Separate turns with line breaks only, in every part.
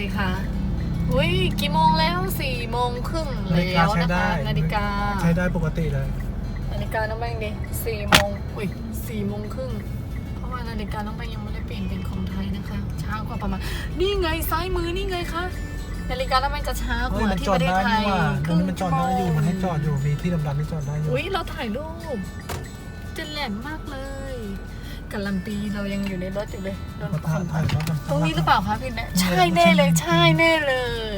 สิคะอุ้ยกี่โมงแล้ว4:30แล้วนะคะนาฬิกา
ใช้ได้ปกติเลย
นาฬิกาน้องแบงค์ดิ4 โมงอุ้ย4:30เพราะว่านาฬิกาน้องแบงค์ยังไม่ได้เปลี่ยนเป็นของไทยนะคะช้ากว่าประมาณนี่ไงซ้ายมือนี่ไงคะนาฬิกาน้องแบงค์จะช้ากว่าที่ประเทศไทย
ครึ่งชั่วโมงอยู่มันให้จอดอยู่มีที่ดำๆที่จอดได้อยู่
อุ้ยเราถ่ายรูปจะแหลมมากเลยกัลันตีเรายังอยู่ในรถอยู่เลยโดนคนถ่ายตรงนี้หรือเปล่าคะพี่แน่ใช่แน่เลยใช่แน่เลย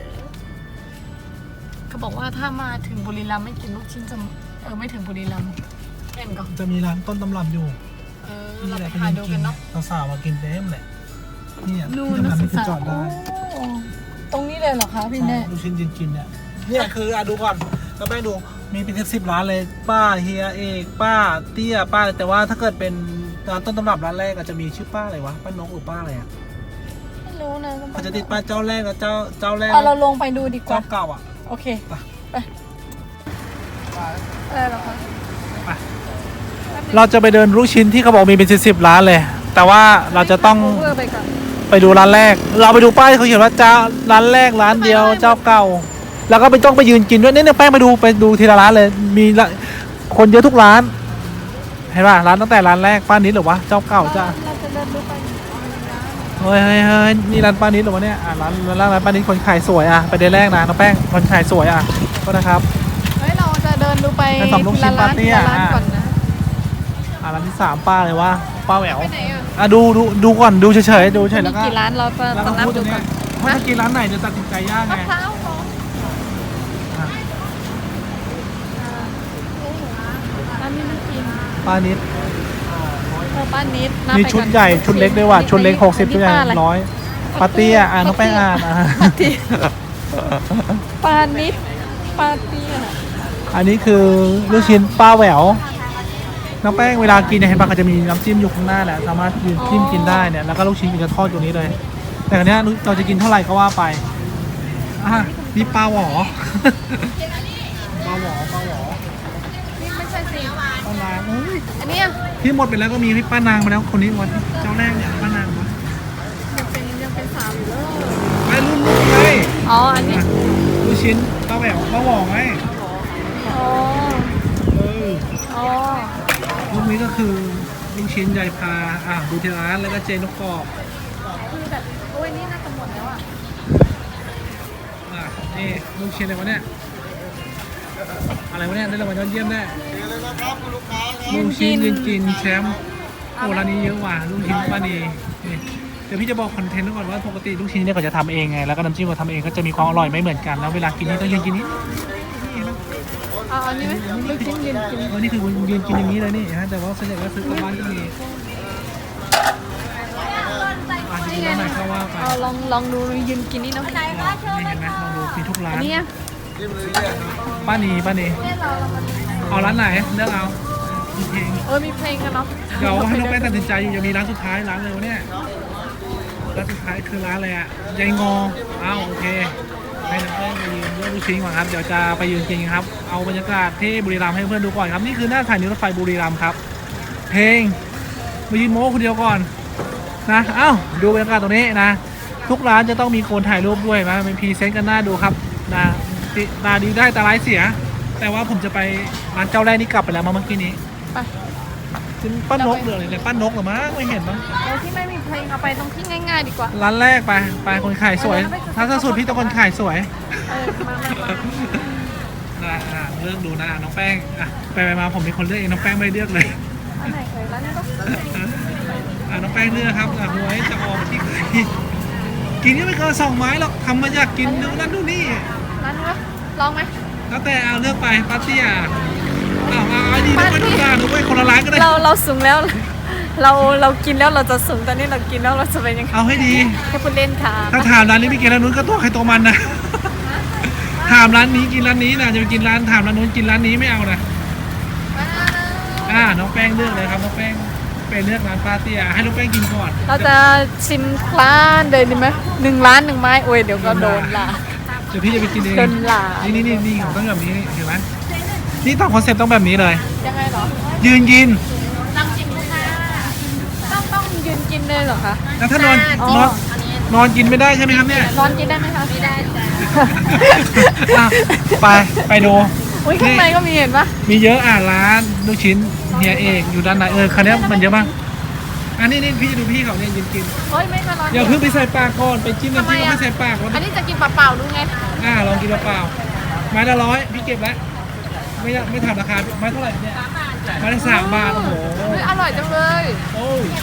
เขาบอกว่าถ้ามาถึงบุรีรัมย์ไม่กินลูกชิ้นจะไม่ถึงบุรีรัมย์เห็นก่อน
จะมีร้านต้นตำรับอยู่
เราไปหาดูกันเนาะ
สาวมากินเต็มเลยนี่ที่
ด
ำๆนี่คือจอดได้
ตรงนี้เลยเหรอคะพี่แน่
ลูกชิ้นกินเนี่ยคือดูก่อนก็ไปดูมีเป็น10 ร้านเลยป้าเฮียเอกป้าเตี้ยป้าแต่ว่าถ้าเกิดเป็นร้านต้นตำรับร้านแรกอาจจะมีชื่อป้าอะไรวะป้านกหรือป้าอะไรอ่ะ
ไม่รู้นะ
เขาจะติดป้าเจ้าแรกกับเจ้าแรก
เราลงไปดูดีกว่า
เจ้าเก่าอ่ะ
โอเคไปอะไรหรอคะ
เราจะไปเดินลูกชิ้นที่เขาบอกมีเป็น10 ร้านเลยแต่ว่าเราจะต้องไปดูร้านแรกเราไปดูป้ายเขาเขียนว่าเจ้าร้านแรกร้านเดียวเจ้าเก่าแล้วก็ไม่ต้องไปยืนกินด้วยเนี่ยแป้งไปดูทีละร้านเลยมีคนเยอะทุกร้านเห็นป่ะร้านตั้งแต่ร้านแรกป้านิดหรือวะเจ้าเก่าจ้าเฮ้ยนี่ร้านป้านิดหรือวะเนี่ยร้านป้านิดคนขายสวยไปเดินแรกนะน้องแป้งคนขายสวยก็นะครับ
เฮ้ยเราจะเดินดูไปทีละร้านก่อนนะ
ร้านที่3ป้าเลยวะป้าแหววดูก่อนดูเฉยๆดูเฉยแล้วก็
กี่ร้านเราจะนับดูก่อน
ว่าจะกินร้านไหนจะตัดสินใจยากไงป้านิดมีชุดใหญ่ชุดเล็กด้วยว่ะชุดเล็ก60ชุดใหญ่100ปาร์ตี้น้องแป้ง
ปานิดปาร์ตี้
อันนี้คือลูกชิ้นป้าแหววน้องแป้งเวลากินเนี่ยเห็นป่ะก็จะมีน้ำจิ้มอยู่ข้างหน้าแหละสามารถยืนจิ้มกินได้เนี่ยแล้วก็ลูกชิ้นมันจะทอดอยู่นี้เลยแต่อันนี้เราจะกินเท่าไหร่ก็ว่าไปนี่ปลาหวอ
นี่ไม่ใช่สิ
ป้านาง
อันนี้
ที่หมดไปแล้วก็มีพี่ป้านางมาแล้วคนนี้วันเจ้าแรกเนี่ยป้านางวะ
ยังเป็นสาวอยู่เลย
ไปรุ่นไง
อันนี้
ลูกชิ้นป้าแหววป้าหวอไงรูปนี้ก็คือลูกชิ้นยายพาดูที่ร้านแล้วก็เจนกกรอบ
คือแบบโอ้ยนี่น่าจะหมดแล้ว
นี่ลูกชิ้นอะไรวะเนี่ยได้รางวัลยอดเยี่ยมได้ลูกชิ้นยืนกินแชมป์ร้านนี้เยอะว่ะลูกชิ้นป้านีเดี๋ยวพี่จะบอกคอนเทนต์ก่อนว่าปกติลูกชิ้นเนี่ยเขาจะทำเองไงแล้วก็น้ำจิ้มเขาทำเองก็จะมีความอร่อยไม่เหมือนกันแล้วเวลากินนี่ต้องยืนกินนี่
อันนี้ไหมลูกชิ้นยืนกิน
นี่คือยืนกินอย่างนี้เลยนี่ฮะแต่ว่าส่วนใหญ่ก็ซื้อกลับบ้านก็มี
นี่ไงลองดูยืนกินนี่เนาะ
นี่เห็นไหมลองดูมีทุกร้าน
นี่
ป้านีเอาร้านไหนเลือกเอามีเพลง
มีเพลงกันเนาะ
เดี๋ยวให้น้องแป้งตัดสินใจอยู่จะมีร้านสุดท้ายร้านเลยวะเนี่ยร้านสุดท้ายคือร้านอะไรยายงอโอเคให้น้องแป้งไปยืนเลือกลูกชิ้นก่อนครับเดี๋ยวจะไปยืนกินครับเอาบรรยากาศที่บุรีรัมย์ให้เพื่อนดูก่อนครับนี่คือหน้าสถานีรถไฟบุรีรัมย์ครับเพลงมายืนโม้คนเดียวก่อนนะดูบรรยากาศตรงนี้นะทุกร้านจะต้องมีคนถ่ายรูปด้วยนะเป็นพรีเซนต์กันหน้าดูครับนะตาดีได้ตาร้ายเสียแต่ว่าผมจะไปร้านเจ้าแรกนี่กลับไปแล้วเมื่อกี้นี้
ไป
ซึ่งป้านกเหลือเลยป้านกหรือมั้งไม่เห็นมั้ง
ที่ไม่มีเพลงเอาไปตรงที่ง่ายๆดีกว่า
ร้านแรกไปคนขายสวยถ้าสุดพี่ต้องคนขายสวยเลือกดูนะน้องแป้งไปมาผมมีคนเลือกเองน้องแป้งไม่เลือกเลย
อันไหนเคยร้านนี้ก็
น้องแป้งเลือกครับหวยจะออกที่ใครกินนี่ไม่เกิน2 ไม้หรอกทำมาอยากกินนู่นนั่นนู่นนี่
ร้านนี้ลองไหม
แล้วแต่เลือกไปปาร์ตี้ดีนะไม่ต้องการด้วยคนละร้านก็ได้
เราสูงแล้วเรากินแล้วเราจะสูงตอนนี้เรากินแล้วเราจะเป็นยังไง
เอาให้ดี
แค่พูดเล่นค่ะ
ถ้าถามร้านนี้ไม่กินร้านนู้นก็ตัวใครตัวมันนะถามร้านนี้กินร้านนี้นะจะไปกินร้านถามร้านนู้นกินร้านนี้ไม่เอานะน้องแป้งเลือกเลยครับน้องแป้งไปเลือกร้านปาร์ตี้ให้น้องแป้งกินก่อน
เราจะชิมร้านเดินดีไหม1 ร้าน 1 ไม้โอ้ยเดี๋ยวก็โดนล่ะ
เดี๋ยวพี่จะไปกินเอง
โดนล่ะ
นี่ของต้องแบบนี้เห็นไหมนี่ต้องคอนเซ็ปต์ต้องแบบนี้เลย
ยังไงหรอ
ยืนกิน
ต้องยืนกินเลยเหรอคะ
แล้วถ้านอนนอนกินไม่ได้ใช่ไหมครับเนี่ย
นอนกินได้ไหมคะไม่ได้จ้ะ
อ่ะไปดู
อุ้ยข้างในก็มีเห็นปะ
มีเยอะร้านลูกชิ้นเฮียเอกอยู่ด้านในคันนี้มันเยอะมากอันนี้พี่ดูพี่เขาเนี่ยยืนกิน
เฮ้ยไม่ค่ะร้อน
อย่าเพิ่งไปใส่ปากก่อนไปจิ้มน้ำจิ้มไม่ใส่ปากแล้ว
อันนี้จะกินเปล่าๆดูไง
ลองกินเปล่าๆไม้ละ100พี่เก็บแล้วไม่ถามราคาไม้เท่าไหร่เนี่ยไม้ละ3 บาทโอ้โห
เฮ้ยอร่อยจังเลย
โอ้ย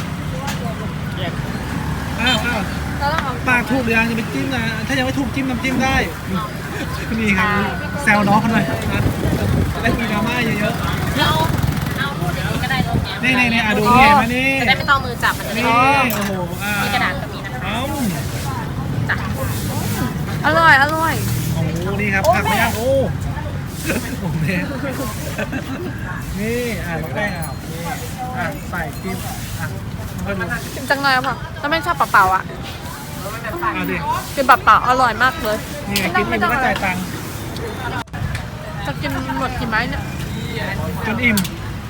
อ้าว
แล้วเราเอา
ปากถูกหรือยังจะไปจิ้มนะถ้ายังไม่ถูกจิ้มน้ำจิ้มได้นี่ครับแซวน้องเขาหน่อยนะจะได้มีดราม่าเยอะ
เอาพูดอย่างนี้ก็ได้ลงเนี้ย
ๆนี่ดูนี่มานี่
จะได้ไม่ต้องมือจับมันจะได้
นี่
ไม่
โอ้โห
มีกระดาษแบบนี้นะคะ จ้ะ
อร่อย
โอ้โหนี่ครับผักไม่ยากโอ้แม่นี่น้องแป้งนี่ใส่จิ้มมันก็ดู
กินจังเลยค่ะถ้าไม่ชอบเปล่าๆอ่ะ
ดิ
กินเปล่าๆอร่อยมากเลย
นี่ไงกินอิ่มก็จ่ายตังค์
จะกินหมดกี่ไม้เนี่ย
จนอิ่ม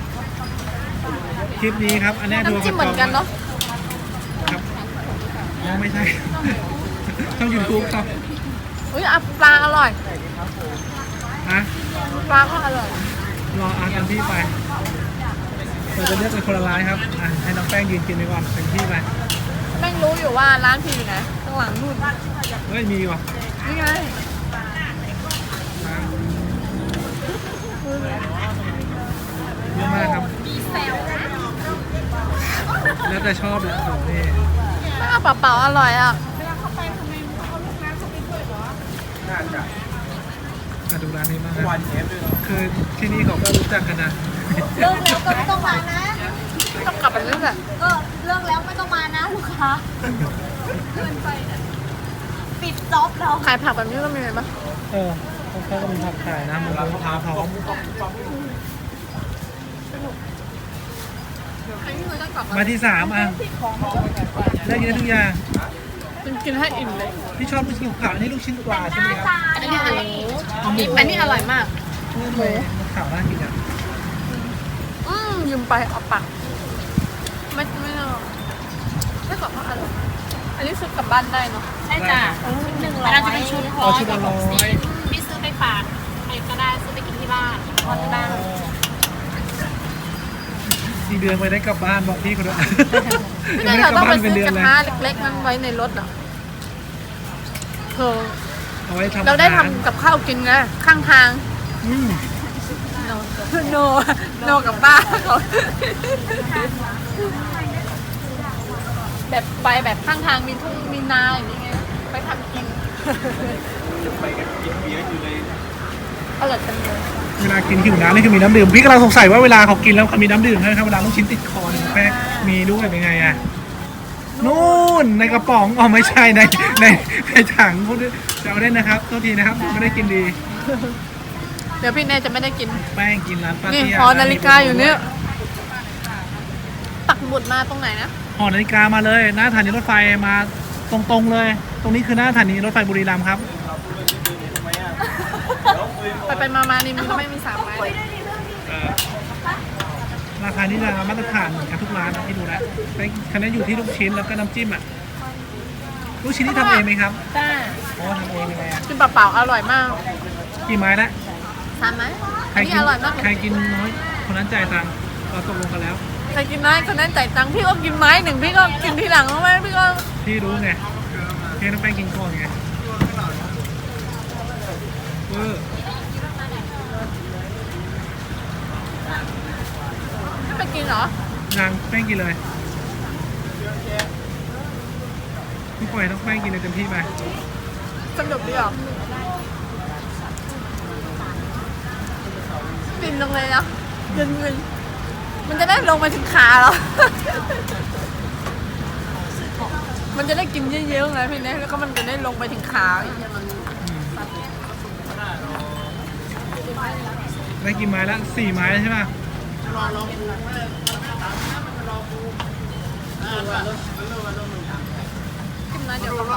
คลิปนี้ครับอันนี้ดู
น้ำจิ้มเหมือนกันเนาะ
ครับไม่ใช่ช่องยูทูบครับ
อุ้ยปลาอร่อย
ฮะ
ปลาก็อร่อย
รอกันที่ไปเราจะเลือกเป็นคนละร้านครับให้น้องแป้งยืนกินไปก่อนเป็นที่ไป
แม่งรู้อยู่ว่าร้านพี่อยู่ไหนข้างหลังนู่น
เฮ้ยมีว่ะ
นี่ไง
เยอะมากครับแล้วแต่ชอบเลยโอ้โหนี่
ถ้าเปล่าๆอร่อยอ่ะ
ดูร้านนี้มากครับคือที่นี่เขาก็รู้จักกันนะ
เลิกแล้วก็ไม่ต้องมานะ
ต้องกลับไปเรื่อย
เลิกแล้วไม่ต้องมานะลูกค้าปิดจ็อบเรา
ขายผักแบบนี้ก็มีไหมปะ
เขาก็มีผักขายนะมันมะพร้าวพร้อม
อันนี้คือต้องกลับ
มาที่3ได้กินได้ทุกอย่าง
กินให้อิ่มเลย
พี่ชอบลูกชิ้นขาวนี่ลูกชิ้นปลาใช่ไหมครับ
อันนี้อร่อยอันนี้อร่อยมาก
หมูขาวน่ากินอ่ะ
ยืมไปเอาปักไม่เอาไม่กลับมาอร่อยอันนี้ซื้อกลับบ้านได้เนาะ
ใช่จ้ะชุด100อันนั้นจะเป็นชุดร้อยกับ60พี่ซื้อไปฝากใครก็ได้ซื้อไปกินที่บ้านทอดที่บ้าน
4 เดือนไปได้กลับบ้านบอกพี่เขาด้วย
ไม่ได้เราต้องไปซื้อกระทะเล็กๆนั้นไว้ในรถอ่ะเธอ
เอาไว้ทำ
เราได้ทำกับข้าวกินนะข้างทางโนกับป้าเขาแบบไปแบบข้างทางมีทุ่งมีนาอย่างนี้ไงไปทำกินไปกันกินเบียร์อยู่เลยอร่อยจังเลย
เวลากินหิวน้ำนี่คือมีน้ำดื่มพี่กำลังสงสัยว่าเวลาเขากินแล้วเขามีน้ำดื่มใช่ไหมครับเวลาลูกชิ้นติดคอเนี่ยแป้งมีด้วยเป็นไงอ่ะนู่นในกระป๋องไม่ใช่ในถังพูดจะเอาเล่นนะครับโทษทีนะครับไม่ได้กินดี
เดี๋ยวพี่เน่จะไม่ได้กิน
แป้งกินร้านปา
นี่
เตี้ย
หอนาฬิกาอยู่เนี่ยปักหมุดมาตรงไหนนะ
หอนาฬิกามาเลยหน้าสถานีรถไฟมาตรงๆเลย ตรงนี้คือหน้าสถานีรถไฟบุรีรัมย์ครับ
ไปมานี่มันก็ไม่มี3 ไม้เลย
ราคานี่ราคามาตรฐานเหมือนกันทุกร้านนะที่ดูแล้วคะแนนอยู่ที่ลูกชิ้นแล้วก็น้ำจิ้มอ่ะลูกชิ้นที่ทำเองไหมครับ
จ้า
อ๋อทำเองยังไงอ่ะ
กินเปล่าๆอร่อยมาก
กี่ไม้ละ
3 ไม้
ใคร
อันนี้
กิ
อร่อยมาก
ใครกินน้อยคนนั้นจ่ายตังค์เราตกลงกันแล้ว
ใครกินน้อยคนนั้นจ่ายตังค์พี่ก็กินไม้หนึ่งพี่ก็กินทีหลังไหมพี่ก็
พี่รู้ไงพี่ต้องไปกินก่อนไง
ไม่ไปกินเหรอน
างแป้งกินเลยพี่ปล่อยต้องแป้งกินเลยเต็มที่ไป
สนุกดีอ่ะฟินลงเลยนะเงินมันจะได้ลงมาถึงขาเหรอ มันจะได้กินเยอะๆไงพี่เน่แล้วก็มันจะได้ลงไปถึงขาอย่างเงี้ยมัน
ได้กินไม้ละ4 ไม้ใช่ไหม
กินน้อยเดี๋ยวก็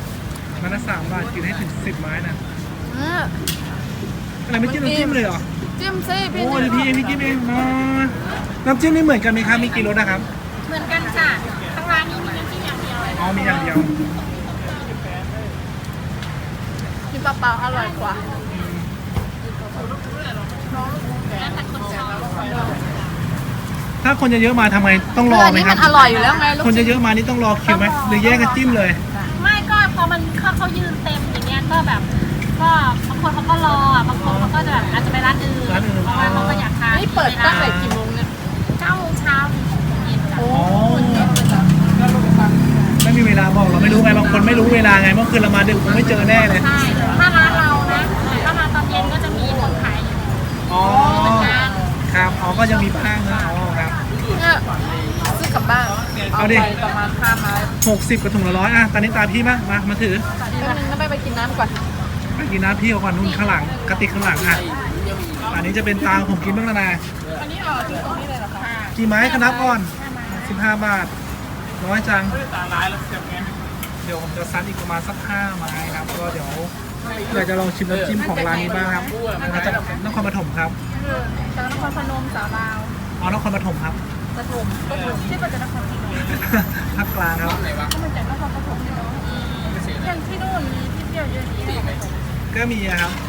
มันละ3 บาทกินให้ถึง10 ไม้นะ
อืม
อะไรไม่จิ้มน้ำจิ้มเลยเหรอ
จิ้มซิพี่
โอ้ยพี่จิ้มเองมาน้ำจิ้มนี่เหมือนกันไหมครับมีกี่รสนะครับ
เหมือนกันจ้ะทางร้านนี้มีน้ำจิ้มอย่างเดียวเลย
อ๋อมีอย่างเดียว
กินเปล่าๆอร่อยกว่า
แล้วแต่คนชอบ
ถ้าคนเยอะๆมาทำไมต้องรอ
อัน
ไหม
นี้
ครั
มั
บ
นอร่อยอยู่แล้วไงลูก
คนเยอะๆมานี่ต้องรอคิวไหมหรือแยกกันจิ้มเลย
ไม่ก็พอมันเขายืนเต็มอย่างเงี้ยก็แบบก็บางคนเขาก็รออ่ะบางคนเขาก็จะแบบอาจจะไปร้านอื่น
ร้านอื่น
เพราะว่าเขาก็อยากทาน
นี่เปิดตั้งแต่กี่โมงเนี่ย
9 โมงเช้าถึง6 โมงเย็นจ้ะ
โอ้
ไม่มีเวลาบอกเราไม่รู้ไงบางคนไม่รู้เวลาไงเมื่อคืนเรามาดึกคงไม่เจอแน่เลย
ใช่ถ้าร้านเรานะถ้ามาตอนเย็นก็จะมีคนขายอยู่
อ๋อ
เหมือนกัน
ครับอ๋อก็ยังมีบ้างนะอ๋อครับ
เนี่ยซื้อกลับบ้าน
เอาดิ
ไปประมาณ5 ไม้
60กับถุงละ100อ่ะตอนนี้ตาพี่บ้างมาถือ
แป๊บนึงนะไปกินน้ำก่อน
ไปกินน้ำพี่เอาก่อนนู่นข้างหลังกระติกข้างหลังอ่ะอันนี้จะเป็นตาผมกินบ้างแล้วนะ
อันนี้เอาที่ตรงนี้เลยเหรอคะ
กี่ไม้คณะก่อน15 บาทน้อยจังเดี๋ยวผมจะซัดอีกประมาณสัก5 ไม้ครับก็เดี๋ยวอยากจะลองชิมน้ำจิ้มของร้านนี้บ้างครับมาจากนครปฐมครับ
จากนครพนมสาวลาว
อ๋อนครปฐมครับ
ปฐมที่มาจากนครพนม
ภาคกลางครับ
ก็มาจากนครปฐมเนี่ยเนาะอย่างที่นู่นมีที่เที่ยวเยอะแยะ
ก็มีอะครับ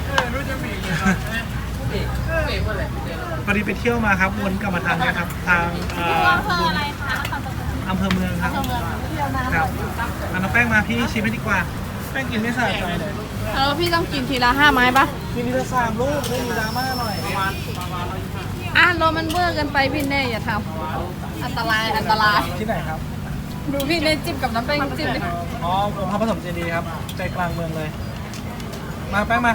พอดีไปเที่ยวมาครับวนกลับมาทางเนี้ยครับทาง
อำเภออะไรคะนครปฐม
อำเภอเมืองครับ
เที่ยวน้ำ
ครับเอาน้องแป้งมาพี่ชิมให้ดีกว่าแป้งกินไม่สะใจเลย
พี่ต้องกินทีละ5 ไม้ปะ
กินทีละ3 ลูกไม่มีดราม่าหน่อย
โรมันเบอร์กันไปพี่เน่อย่าทำอันตรายอันตราย
ที่ไหนครับ
ดูพี่เน่จิ้มกับน้ำแป้งจิ้มดิ
อ๋อผมพระปฐมเจดีย์ครับใจกลางเมืองเลย มาแป้งมา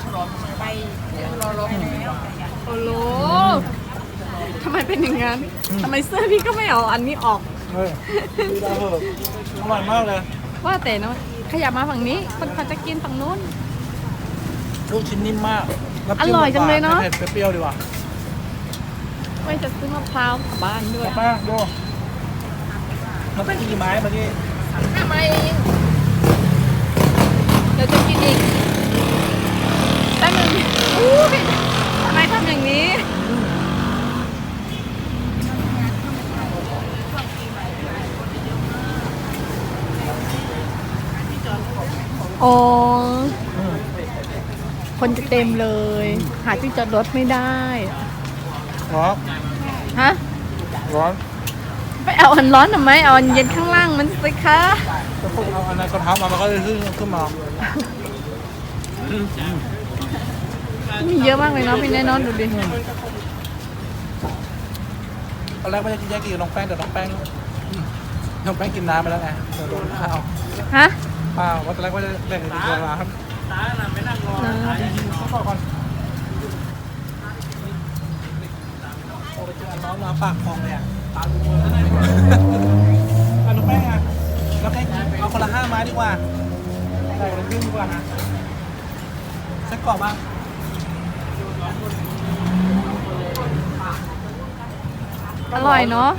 โอ้โหทำไมเป็นอย่างนั้นทำไมเสื้อพี่ก็ไม่เอาอันนี้ออก
เฮ้ยดีดาเพิ่มอร่อยมากเลย
ว่าแต่นะขยับมาฝั่งนี้คนเขาจะกินฝั่งนู้น
ลูกชิ้นนิ่มมาก
อร่อยจังเลยเนอะ
เผ็ดๆเปรี้ยวๆดีกว่า
ไม่จะซื้อมะพร้าวกลับบ้านด้วย
ป้าดูน้องแป้งกินกี่ไม้เมื่อกี้
5 ไม้เองเดี๋ยวจะกินอีกแป๊บนึงอู้ยทำไมทำอย่างนี้อ๋อ คนจะเต็มเลย หาที่จอดรถไม่ได้
ร้อน
ฮะ
ร้อน
ไปเอาอันร้อนทำไม เอาอันเย็นข้างล่างมันสิคะ
จะพูดเอาอันนั้นกระทะมามันก็เลยขึ้นมา
มีเยอะมากเลยเนาะพี่แน่นอนดูดิ
ตอนแรกไม่ได้กินแยกกินกับน้องแป้งแต่น้องแป้งกินน้ำไปแล้วไงเดี๋ยวโดนข้าว
ฮะ
เปล่าว่าตอนแรกว่าจะแบ่งกันกินตัวละครับจริงๆเขาบอกก่อนโอ้ไปเจออันน้องมาปากคลองเลยอ่ะตาลุงเลยอันน้องแป้งอ่ะน้องแป้งเอาคนละ5 ไม้ดีกว่าใส่คนละครึ่งดีกว่านะไส้กรอกบ้าง
อร่อยเนาะ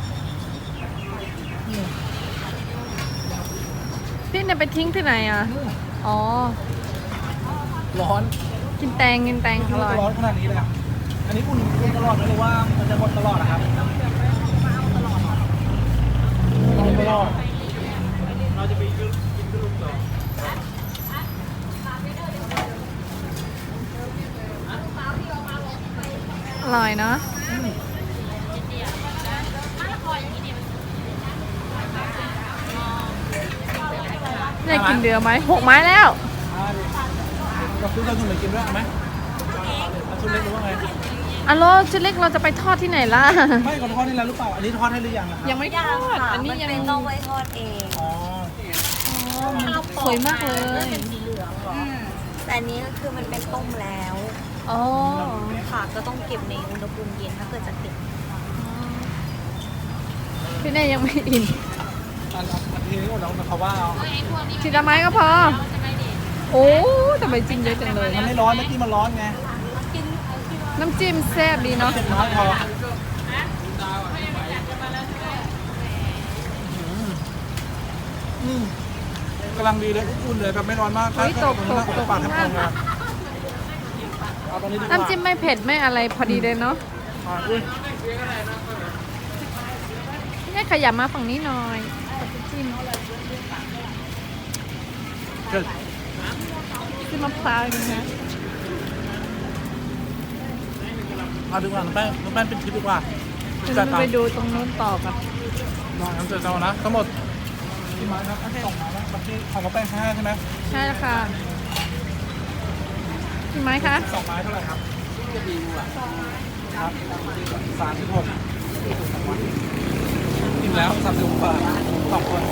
พี่เนี่ยไปทิ้งที่ไหนอ่ะ อ๋อ
ร้อน
กินแตงอร่อย
ร้อนขนาดนี้เลยอะอันนี้อุ่นตลอดไหมหรือว่ามันจะหมดตลอดนะครับตลอดเราจะไปกินขนมต่อ
อร่อยเนาะได้กินเดือไหม6 ไม้แล้ว
กับซื้อเราถุงไหนกินด้วยเอาไหมเอาชุดเล็กหรือว่าไง
อัลโหลชุดเล็กเราจะไปทอดที่ไหนล่ะ
ไม่ก่อนทอดนี่แล้วหรือเปล่า อันนี้ทอดให้หรือยังอะครับ
ยังไม่ทอด อันนี้ยัง
ต้องไว้ทอดเอง
อ๋อ
สวยมากเลย
แต่อันนี้ก็คือมันเป็นต้มแล้ว
อ๋อ
ค่ะก็ต้องเก็บในอุณหภูมิเย็นถ้าเกิดจะติด
พี่เน่ยังไม่อิ่ม
อันทีนี้เราเขาว่าเอา
ทีละไม้ก็พอ โอ้ทำไมจิ้มเยอะจังเลย
มันไม่ร้อนเมื่อกี้มันร้อนไง
น้ำจิ้มแซ่บดีเนาะ
เจ็บน้อยพอกำลังดีเลยอุ่นเลยแบบไม่ร้อนมาก
เฮ้ยตก
ปากแทบพองนะเอาตรงนี้ดีกว่า
น้ำจิ้มไม่เผ็ดไม่อะไรพอดีเลยเนาะ
อุ้ย
เนี่ยขยับมาฝั่งนี้หน่อยน้ำจิ้ม
เกิด
จิ้มมะพร้าวอย่างนี้นะ
เอาดีกว่าน้องแป้งเป็นคลิปดีกว่า
เดี๋ยวเราไปดูตรงนู้นต่อกัน
ลองน้ำเจอเจ้านะทั้งหมดกี่ไม้ครับส่งมาแล้วเมื่อกี้ของน้องแป้ง5ใช่ไหม
ใช่แล้วค่ะกี่ไม้คะ
2 ไม้เท่าไหร่ครับครับ36อิ่มแล้ว36 บาท2 คน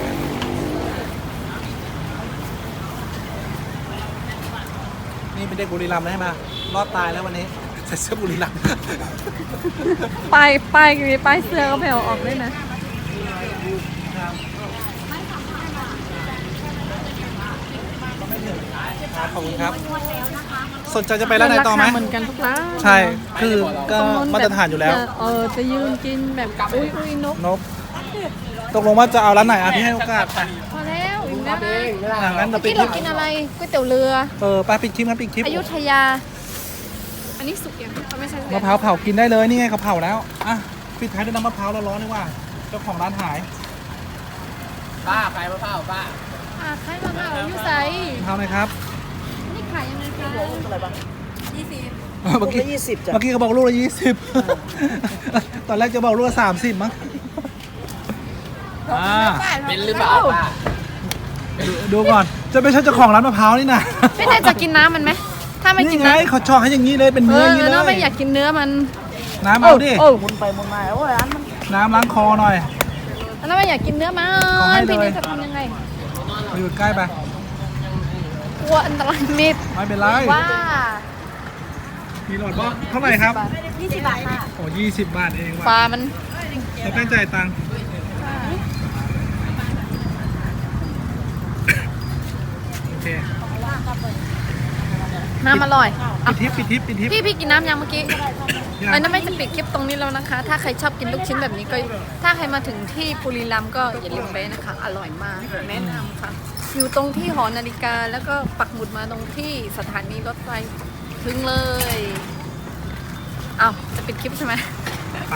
นี่เป็นเด็กบุรีรัมย์ใช่ไหมรอดตายแล้ววันนี้ใส่เสื้อบุรีรัมย์
ป้ายมีป้ายเสื้อก็ไม่เอาออกด้วยนะ
ขอบคุณครับ สนใจจะไปร้านไหนต่อไหม
ราคาเหมือนกันทุกร้าน
ใช่ คือก็มาตรฐานอยู่แล้ว
จะยืนกินแบบอุ้ยนก
นบตกลงว่าจะเอาร้านไหนอ่ะพี่ให้โอกาสไป
พอแล้วอิ่มแล้วนะ
งั้นเราปิด
ที่
คลิป
เรากินอะไรก๋วยเตี๋ยวเรือ
ไปปิดคลิปนะปิดคลิป
อยุธยา อันนี้สุกยังเขาไม่ใช่สุก
มะพร้าวเผากินได้เลยนี่ไงเขาเผาแล้วอ่ะปิดท้ายด้วยน้ำมะพร้าวร้อนๆดีกว่าเจ้าของร้านหาย
อ่าขายมะพร้าวยูไซ
มะพร้าวหน่อยครับ
นี่ขายยังไงคะ20
เมื่อกี้เขาบอกลูกละ20 ตอนแรกจะบอกลูกละ30มั้ง
เป็นหรือเปล่า
ดูก่อนจะไม่ใช่เจ้าของร้านมะพร้าวนี่นะ
ไม่น่าจะกินน้ำมันไหมถ้าไม่กิ
นี่
น
ไง
น้ำ
เขาชอบให้อย่างนี้เลยเป็นเนื้ออย่างนี้เล
เนาะไม่
ย
อยากกินเนื้อมัน
น้ำเอาดิ
โอ้
มุนไปมุนมาโอ้ยร้านมัน
น้ำล้างคอหน่อย
แล้วไม่อยากกินเนื้อมัน
ขอให้เลย
พี่นี่จะทำยังไง
มาอยู่ใกล้ไป
กลัวอันตรายมิด
ไม่เป็นไร
ว่า
มีหลอดบ่เท่าไหร่ครับ
20 บาทค่ะ
โอ้20 บาทเอง
ปลา
ว่ะ
มัน
เราแป้งจ่ายตังค์โอเค
น้ำอร่อย
ปิดทิป
พี่กินน้ำยังเมื่อกี้ไอ้นั่นไม่จะปิดคลิปตรงนี้แล้วนะคะ ถ้าใครชอบกินลูกชิ้นแบบนี้ก็ ถ้าใครมาถึงที่บุรีรัมย์ก็อย่าลืมไปนะคะ อร่อยมาก แนะนำค่ะ อยู่ตรงที่หอนาฬิกาแล้วก็ปักหมุดมาตรงที่สถานีรถไฟถึงเลยอ้าวจะปิดคลิปใช่ไหม
ไป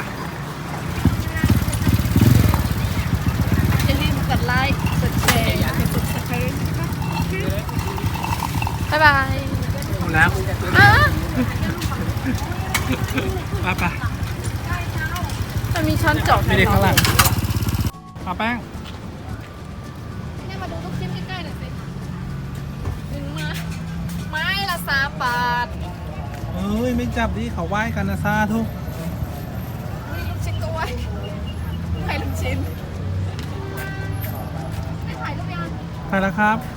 อย่าลืมกดไลค์กดแชร์กด subscribe นะคะบ๊ายบาย
หมดแล้ว
อ้า
ไป
มันมีช้อนจอก
ไม่ได้ข้างหลังมาแป้ง
เนี่ยมาดูลูกชิ้นใกล้ๆหน่อยสิถึงมาไม้ละ3 บาท
เฮ้ย ไม่จับดิเขาไหว้กันนะซาทุก
นี่ลูกชิ้นก็ไว้ให้ลูกชิ้นไม่ถ่ายรูปยัง
ไปแล้วครับ